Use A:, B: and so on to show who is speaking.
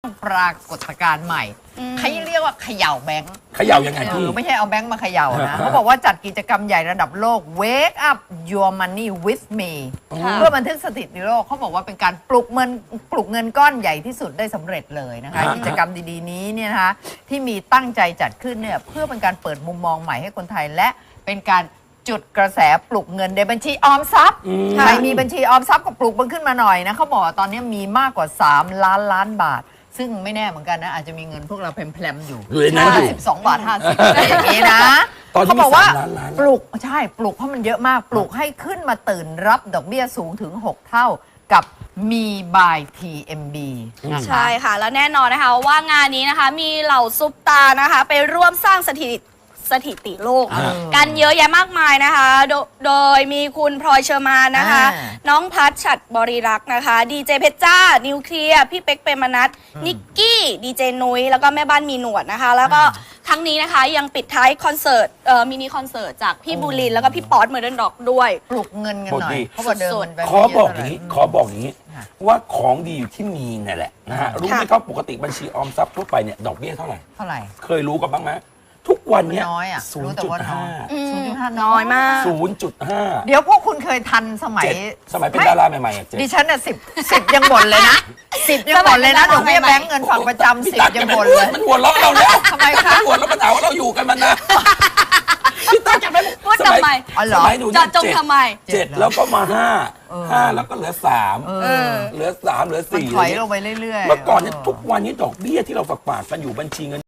A: ปรากฏการณ์ใหม่เขาเรียกว่าเขย่าแบงค์
B: เขย่ายังไงพี่
A: ไม่ใช่เอาแบงค์มาเขย่านะเขาบอกว่าจัดกิจกรรมใหญ่ระดับโลก Wake up your money with me เพื่อบันทึกสถิติโลกเขาบอกว่าเป็นการปลุกเงินก้อนใหญ่ที่สุดได้สำเร็จเลยนะคะกิจกรรมดีๆนี้เนี่ยนะคะที่มีตั้งใจจัดขึ้นเนี่ยเพื่อเป็นการเปิดมุมมองใหม่ให้คนไทยและเป็นการจุดกระแสปลุกเงินในบัญชีออมทรัพย์ใครมีบัญชีออมทรัพย์ก็ปลุกมันขึ้นมาหน่อยนะเขาบอกตอนนี้มีมากกว่า3 ล้านบาทซึ่งไม่แน่เหมือนกันนะอาจจะมีเงินพวกเราแพลมๆอยู่12 บาท 50อะไรอย่างนี้นะเขาบอกว่าปลุกใช่ปลุกเพราะมันเยอะมากปลุกให้ขึ้นมาตื่นรับดอกเบี้ยสูงถึง6 เท่ากับมีบาย TMB
C: ใช่ค่ะแล้วแน่นอนนะคะว่างานนี้นะคะมีเหล่าซุปตานะคะไปร่วมสร้างสถิติโลกกันเยอะแยะมากมายนะคะโดยมีคุณพลอยเชอร์มานนะคะน้องพัชฉัตรบริรักษ์นะคะดีเจเพชรจ้านิวเคลียร์พี่เป๊กเปรมนัทนิกกี้ดีเจนุ้ยแล้วก็แม่บ้านมีหนวดนะคะแล้วก็ทั้งนี้นะคะยังปิดท้ายคอนเสิร์ตมินิคอนเสิร์ตจากพี่บูลินแล้วก็พี่ป๊อตเมอร์เดนด็อกด้วย
A: ปลุกเงินกันหน่อยเขาบอกเดิม
B: ขอบอกอย่างนี้ว่าของดีอยู่ที่มีนี่แหละนะฮะรู้ไหมครับปกติบัญชีออมทรัพย์ทั่วไปเนี่ยดอกเบี้ยเท่าไหร่เคยรู้กันบ้างไหมทุกวันเนี้ย
A: น้อยอ่ะ
C: 0.5น้อยมาก
B: 0.5
A: เดี๋ยวพวกคุณเคยทันสมัย
B: เป็นดาราใหม่ๆ
A: ดิฉันน่ะ10ยังบ่นเลยนะ10ยังบ่นเลยนะดอกเบี้ยแบงก์เงินฝากประจำ10ยังบ่นเลย
B: มันหัวเราะเราแล้ว
A: ทำไมคะ
B: หัวเราะมันหาว่าเราอยู่กันมันนะพี่ตั๊กจะไม่
C: พูดทำไม
B: สมัยหนู
C: จะจงทำไม
B: 7แล้วก็มา5แล้วก็เหลือ3เหลือ4
A: ถอยลงไปเรื่อยๆ
B: เมื่อก่อนเนี่ยทุกวันนี้ดอกเบี้ยที่เราฝากกันอยู่บัญชีเงิน